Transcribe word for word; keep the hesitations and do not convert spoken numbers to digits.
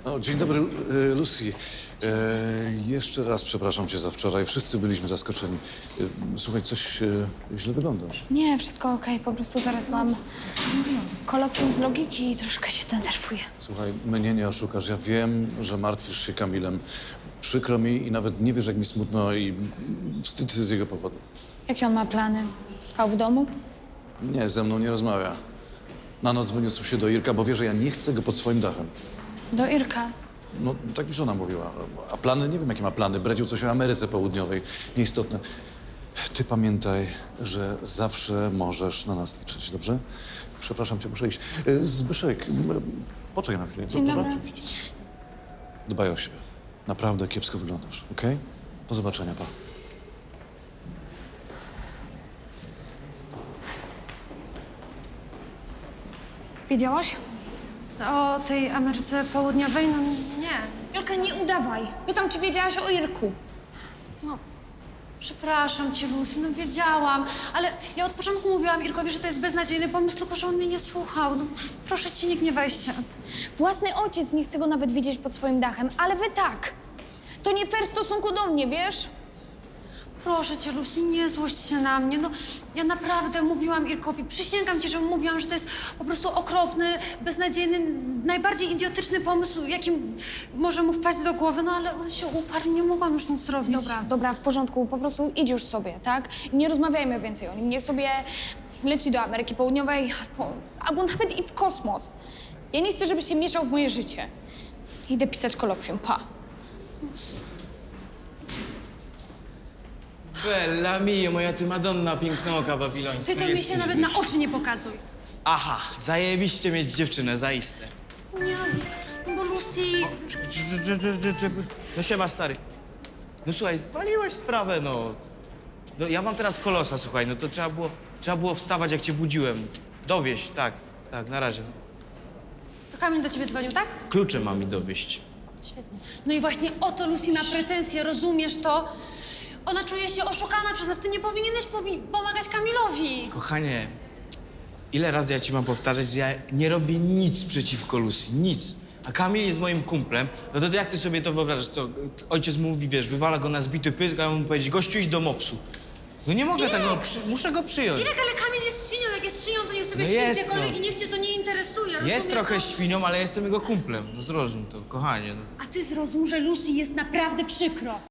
O, dzień dobry, e, Lucy. E, jeszcze raz przepraszam cię za wczoraj. Wszyscy byliśmy zaskoczeni. E, słuchaj, coś e, źle wyglądasz. Nie, wszystko okej. Po prostu zaraz mam kolokwium z logiki i troszkę się denerwuję. Słuchaj, mnie nie oszukasz. Ja wiem, że martwisz się Kamilem. Przykro mi i nawet nie wiesz, jak mi smutno i wstyd z jego powodu. Jakie on ma plany? Spał w domu? Nie, ze mną nie rozmawia. Na noc wyniósł się do Irka, bo wie, że ja nie chcę go pod swoim dachem. Do Irka. No, tak mi żona mówiła. A plany? Nie wiem, jakie ma plany. Bredził coś o Ameryce Południowej. Nieistotne. Ty pamiętaj, że zawsze możesz na nas liczyć, dobrze? Przepraszam cię, muszę iść. E, Zbyszek, m, poczekaj na chwilę. Dzień dobrze? dobry. Oczywiście. Dbaj o siebie. Naprawdę kiepsko wyglądasz, okej? Do zobaczenia, pa. Wiedziałaś? O tej Ameryce Południowej? No nie. Jolka, nie udawaj. Pytam, czy wiedziałaś o Irku. No, przepraszam cię, Lucy, no wiedziałam, ale ja od początku mówiłam Irkowi, że to jest beznadziejny pomysł, tylko że on mnie nie słuchał. No, proszę cię, nie gniewaj się. Własny ojciec nie chce go nawet widzieć pod swoim dachem, ale wy tak. To nie fair w stosunku do mnie, wiesz? Proszę cię, Lucy, nie złość się na mnie. No, ja naprawdę mówiłam Irkowi, przysięgam ci, że mówiłam, że to jest po prostu okropny, beznadziejny, najbardziej idiotyczny pomysł, jakim może mu wpaść do głowy, no ale on się uparł, nie mogłam już nic zrobić. Dobra, dobra, w porządku. Po prostu idź już sobie, tak? Nie rozmawiajmy więcej o nim. Niech sobie leci do Ameryki Południowej albo, albo nawet i w kosmos. Ja nie chcę, żeby się mieszał w moje życie. Idę pisać kolokwium, pa. Bella mio, moja ty Madonna pięknoka babilońska. Ty to mi się nawet na oczy nie pokazuj. Aha, zajebiście mieć dziewczynę, zaiste. Nie, bo Lucy... No siema, stary. No słuchaj, zwaliłeś sprawę, no. No ja mam teraz kolosa, słuchaj, no to trzeba było, trzeba było wstawać, jak cię budziłem. Dowieść, tak, tak, na razie. To Kamil do ciebie dzwonił, tak? Klucze mam mi dowieść. Świetnie. No i właśnie o to Lucy ma pretensje, rozumiesz to? Ona czuje się oszukana przez nas. Ty nie powinieneś powi pomagać Kamilowi. Kochanie, ile razy ja ci mam powtarzać, że ja nie robię nic przeciwko Lucy, nic. A Kamil jest moim kumplem, no to jak ty sobie to wyobrażasz, co? Ojciec mówi, wiesz, wywala go na zbity pysk, a ja mu powiedzieć, gościu, idź do mopsu. No nie mogę tego, przy, muszę go przyjąć. Irek, ale Kamil jest świnią. Jak jest świnią, to niech sobie No śpi jest, gdziekolwiek no. i niech cię to nie interesuje. Jest rozumiesz trochę to? świnią, ale jestem jego kumplem. No zrozum to, kochanie. No. A ty zrozum, że Lucy jest naprawdę przykro.